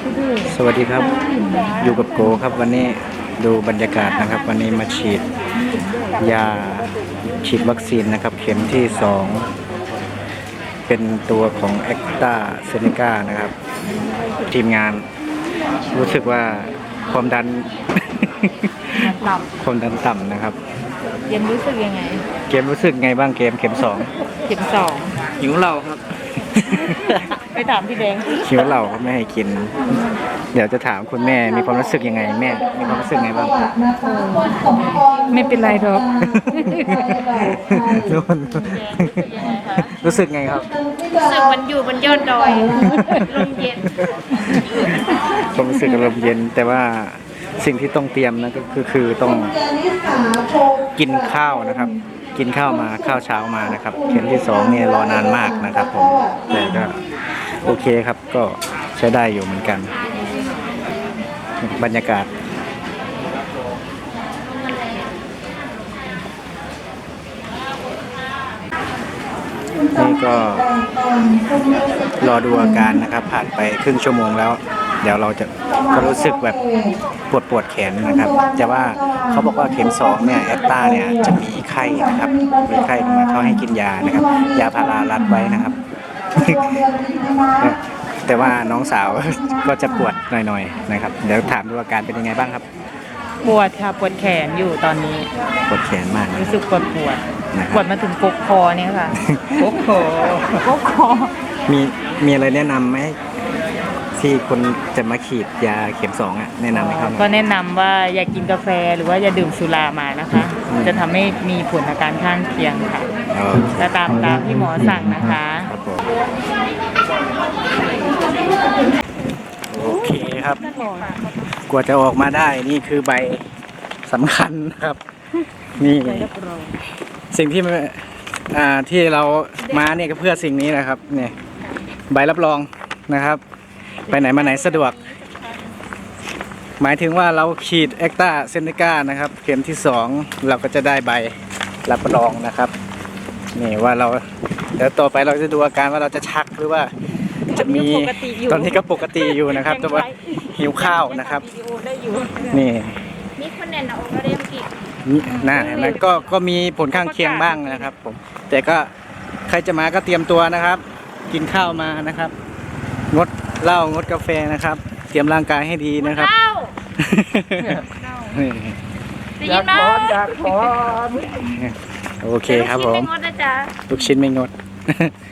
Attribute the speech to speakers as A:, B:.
A: สวัสดีครับอยู่กับโกครับวันนี้ดูบรรยากาศนะครับวันนี้มาฉีดยาฉีดวัคซีนนะครับเข็มที่2เป็นตัวของแอคตาเซเนกานะครับทีมงานรู้สึกว่าความดัน
B: ต่
A: ความดันต่ำนะครับ
B: ำเย็นรู้สึกยังไง
A: เกมรู้สึกไงบ้างเกมเข็ม
B: เข็มสอง
A: 2หิวเหล้าครับ
B: ไปถามพี่แดง
A: หิวเหล้าครับไม่ให้กิน เดี๋ยวจะถามคุณแม่มีความรู้สึกยังไงแม่มีความรู้สึกไงบ้าง
B: ไม่เป็นไรหรอก
A: รู้สึกไงครับ
C: รู้สึกมันอยู่บนยอดดอยลมเย็น
A: ความรู้สึกอารมณ์เย็นแต่ว่าสิ่งที่ต้องเตรียมนะก็คือต้องกินข้าวนะครับ กินข้าวมาข้าวเช้ามานะครับเข็มที่2เนี่ยรอนานมากนะครับผมแต่ก็โอเคครับก็ใช้ได้อยู่เหมือนกันบรรยากาศนี่ก็รอดูอาการนะครับผ่านไปครึ่งชั่วโมงแล้วเดี๋ยวเราจะก็รู้สึกแบบปวดแขนนะครับแต่ว่าเขาบอกว่าเข็ม2เนี่ยแอตตาเนี่ยจะมีไข้นะครับมีไข้มาเขาให้กินยานะครับยาพารารัดไว้นะครับ แต่ว่าน้องสาวก็จะปวดหน่อยๆนะครับเดี๋ยวถามดูอาการเป็นยังไงบ้างครับ
B: ปวดค่ะปวดแขนอยู่ตอนนี้
A: ปวดแขนมากนะ
B: รู้สึกปวด
A: นะครับ
B: ปวดมาถึงกกคอเนี่ยค่ะ
A: โอ้โห
B: กกคอ
A: มีอะไรแนะนำไหมที่คนจะมาฉีดยาเข็ม2อ่ะแนะนำไหมครับ
B: ก็แนะนำว่าอย่ากินกาแฟหรือว่าอย่าดื่มสุรามานะคะ จะทำให้มีผลอาการข้างเคียงค่ะ และตามที่หมอสั่งนะคะ
A: ครับผมโอเคครับ กว่าจะออกมาได้นี่คือใบสำคัญนะครับนี่สิ่งที่ที่เรามาเนี่ยก็เพื่อสิ่งนี้นะครับเนี่ยใบรับรองนะครับ ไปไหนมาไหนสะดวก หมายถึงว่าเราฉีดแอคตาเซเนกานะครับเข็มที่2เราก็จะได้ใบรับรองนะครับนี่ว่าเราเดี๋ยวต่อไปเราจะดูอาการว่าเราจะชักหรือว่าจะมีตอนนี้ก็ปกติอยู่นะครับแต่ว่าหิวข้าวนะครับนี่
C: นี่คนแน่นเอาก็ได้เมื่อกี้
A: นี่น่าเห็นไหมก็มีผลข้างเคียงบ้างนะครับผมแต่ก็ใครจะมาก็เตรียมตัวนะครับ กินข้าวมานะครับงดเหล้างดกาแฟนะครับ เตรียมร่างกายให้ดีนะครับ
C: เอ้า
A: นี่
C: ได้ยินไหม
A: โอเคครับผม
C: ไม่งดนะจ๊ะ
A: ลูกชิ้นไม่งด